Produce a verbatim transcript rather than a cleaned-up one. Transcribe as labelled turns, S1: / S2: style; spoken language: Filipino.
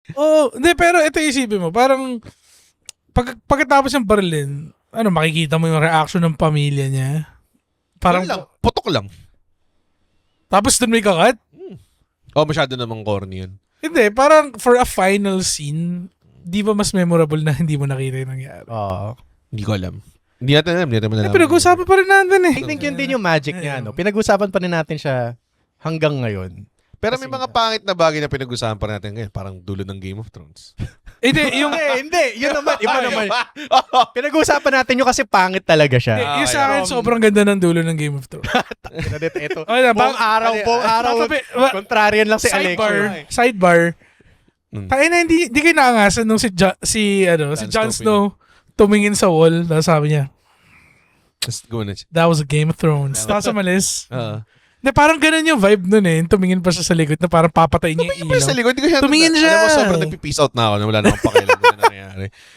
S1: Oo, hindi, pero ito isipin mo, parang pag, pagkatapos ng barilin, ano, makikita mo yung reaction ng pamilya niya. Parang,
S2: Parang lang, putok lang.
S1: tapos dun may kakat?
S2: Hmm. Oh, masyado namang corny yun.
S1: Hindi, parang for a final scene, di ba mas memorable na hindi mo nakita yung nangyari?
S3: Oo.
S2: Hindi ko alam. Hindi natin alam. Hindi natin
S1: Eh,
S2: alam.
S1: pinag-usapan pa rin natin eh.
S3: I think yun din yung magic niya. No? Pinag-usapan pa rin natin siya hanggang ngayon.
S2: Pero may
S3: Kasi-
S2: mga pangit na bagay na pinag-usapan pa natin ngayon. Parang dulo ng Game of Thrones.
S1: Hindi, yung,
S3: Hindi, hindi. Yun naman. Iba naman. Pinag-usapan natin yung kasi pangit talaga siya.
S1: hindi, yung
S2: Ah,
S1: sa akin,
S3: okay.
S1: sobrang ganda ng dulo ng Game of Thrones.
S3: Ito, ito.
S1: Okay na,
S3: Buong
S1: ba-
S3: araw, buong araw.
S1: Tatabi- wa-
S3: Contrarian lang si
S1: sidebar,
S3: Alex.
S1: sidebar.
S2: Mm.
S1: Tayo na, hindi, hindi kayo naangasan nung si, jo- si, ano, si
S2: Jon
S1: Jon Snow tumingin sa wall, tapos sabi niya,
S2: Just go na siya.
S1: that was a Game of Thrones. Tapos umalis.
S2: Ah.
S1: Hindi, parang ganun yung vibe nun eh. Tumingin pa siya sa likod na parang papatayin niya yung
S2: Tumingin pa
S1: ilaw.
S2: sa likod. Hindi ko siya
S1: Tumingin siya.
S2: Alam mo, sobrang nagpipeace out na ako na wala na akong pakialam na nangyayari.